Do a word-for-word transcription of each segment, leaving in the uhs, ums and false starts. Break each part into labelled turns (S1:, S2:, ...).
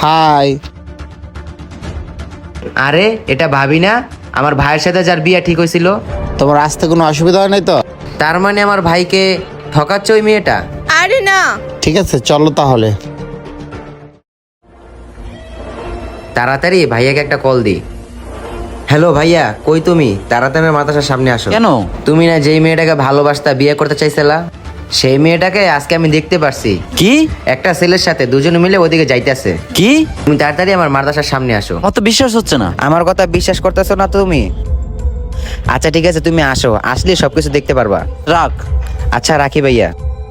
S1: High.
S2: আরে এটা ভাবি না, আমার ভাইয়ের সাথে যার বিয়ে ঠিক হয়েছিল।
S1: তোমার আসতে কোনো অসুবিধা হয় নাই তো?
S2: তার মানে আমার ভাইকে ঠকাচ্ছে ওই মেয়েটা?
S3: আরে না।
S1: ঠিক আছে, চলো তাহলে।
S2: তাড়াতাড়ি ভাইয়াকে একটা কল দি। হ্যালো ভাইয়া, কই তুমি? তাড়াতাড়ি আমার মাদ্রাসার সামনে আসো।
S4: কেন?
S2: তুমি না যেই মেয়েটাকে ভালোবাসতা, বিয়ে করতে চাইছিলা, সেই মেয়েটাকে আজকে আমি দেখতে পারছি
S4: কি?
S2: একটা ছেলের সাথে, দুজনে মিলে ওদিকে যাইতেছে।
S4: কি?
S2: তুমি তাড়াতাড়ি আমার মাদ্রাসার সামনে আসো।
S4: আমার তো বিশ্বাস হচ্ছে না।
S2: আমার কথা বিশ্বাস করতেছো না তুমি? আচ্ছা ঠিক আছে, তুমি আসো, আসলে সবকিছু দেখতে পারবা।
S4: রাখ।
S2: আচ্ছা রাখি ভাইয়া।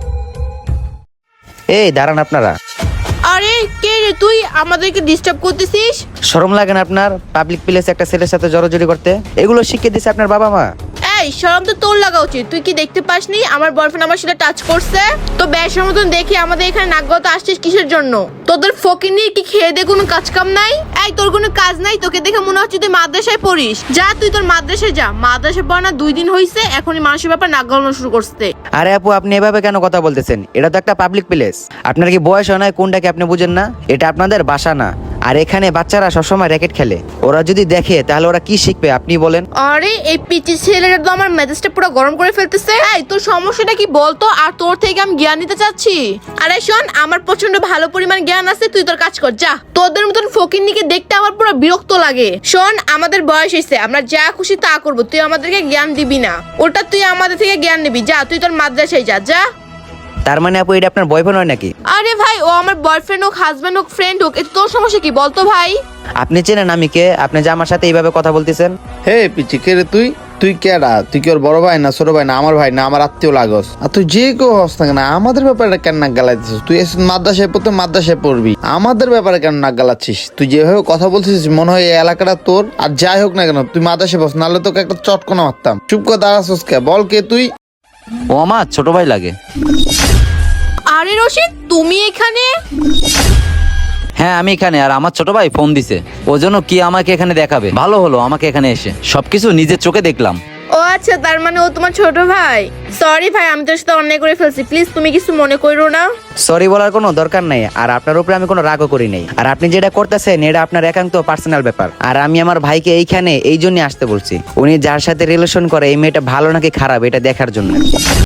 S2: এই দাঁড়ান আপনারা।
S3: আরে কে রে তুই, আমাদেরকে ডিস্টার্ব করতেছিস?
S2: শরম লাগে না আপনার পাবলিক প্লেসে একটা ছেলের সাথে জড়াজড়ি করতে? এগুলো শিখিয়ে দিছে আপনার বাবা মা।
S3: এই শরম তো তোর লাগা উচিত। তুই কি দেখতে পাসনি আমার বয়ফ্রেন্ড আমার সাথে টাচ করছে? তো বেশের মতন দেখি আমাদের এখানে নাক গলাতে আসছিস কিসের জন্য? তোদের ফকিনি কি খেয়ে দে কোনো কাজ কাম নাই? এই তোর কোনো কাজ নাই? তোকে দেখে মনে হচ্ছে তুই মাদ্রাসায় পড়িস। যা তুই তোর মাদ্রাসায় যা। মাদ্রাসায় পড়া না দুই দিন হইছে, এখনই মানুষের ব্যাপার নাক গলানো শুরু করছে।
S2: আরে আপু, আপনি এভাবে কেন কথা বলতেছেন? এটা তো একটা পাবলিক প্লেস। আপনার কি বয়স হয় না? কোনটাকে আপনি বুঝেন না? এটা আপনাদের বাসা না। আর এখানে বাচ্চারা সবসময় র্যাকেট খেলে। ওরা যদি দেখে তাহলে ওরা কি শিখবে আপনি বলেন?
S3: আরে এই পিচি ছেলেটা তো আমার মেজাজটা পুরো গরম করে ফেলতেছে। এই তোর সমস্যাটা কি বলতো? আর তোর থেকে আমি জ্ঞান নিতে চাচ্ছি। আরে শোন, আমার প্রচন্ড ভালো পরিমাণ জ্ঞান আছে, তুই তোর কাজ কর যা। তোদের মতন ফকিন্নিকে দেখতে আমার পুরো বিরক্ত লাগে। শোন, আমাদের বয়স হয়েছে, আমরা যা খুশি তা করবো, তুই আমাদেরকে জ্ঞান দিবি না। ওটা তুই আমাদের থেকে জ্ঞান নিবি। যা তুই তোর মাদ্রাসায় যা যা।
S2: তার মানে আপু এটা আপনার বয়ফ্রেন্ড হয় নাকি?
S3: আরে ভাই, ও আমার বয়ফ্রেন্ড হোক, হাজবেন্ড হোক, ফ্রেন্ড হোক, এটা তোর সমস্যা কি বলতো ভাই?
S2: আপনি চেনেন আমি কে? আপনি যে আমার সাথে এইভাবে কথা বলতেছেন?
S1: হে পিচি, কে রে তুই? তুই কেডা? তুই কি ওর বড় ভাই না ছোট ভাই না আমার ভাই না আমার আত্মীয় লাগস? আর তুই যে কেউ হস না কেন, আমাদের ব্যাপারে কেন নাক গালাচ্ছিস? তুই এসে মাদ্রাসায় পড়তে মাদ্রাসায় পড়বি, আমাদের ব্যাপারে কেন নাক গালাচ্ছিস? তুই যেভাবে কথা বলছিস মনে হয় এই এলাকাটা তোর। আর যাই হোক না কেন, তুই মাদ্রাসায় বস, নাহলে তোকে একটা চটকনা মারতাম। চুপ করে দাঁড়াছস কে? বল কে তুই?
S4: ও আমার ছোট ভাই লাগে।
S3: আরে রশিদ, তুমি এখানে?
S4: হ্যাঁ আমি এখানে, আর আমার ছোট ভাই ফোন দিছে, ও জন্য কি আমাকে এখানে দেখাবে। ভালো হলো আমাকে এখানে এসে সবকিছু নিজের চোখে দেখলাম।
S3: ও আচ্ছা, তার মানে ও তোমার ছোট ভাই। সরি ভাই, আমি তোর সাথে অন্যায় করে ফেলছি, প্লিজ তুমি কিছু মনে করো না।
S2: সরি বলার কোনো দরকার নাই। আর আপনার উপরে আমি কোনো রাগও করি নাই। আর আপনি যেটা করতেছেন এটা আপনার একান্ত পার্সোনাল ব্যাপার। আর আমি আমার ভাইকে এইখানে এই জন্য আসতে বলছি, উনি যার সাথে রিলেশন করে এই মেয়েটা ভালো নাকি খারাপ এটা দেখার জন্য।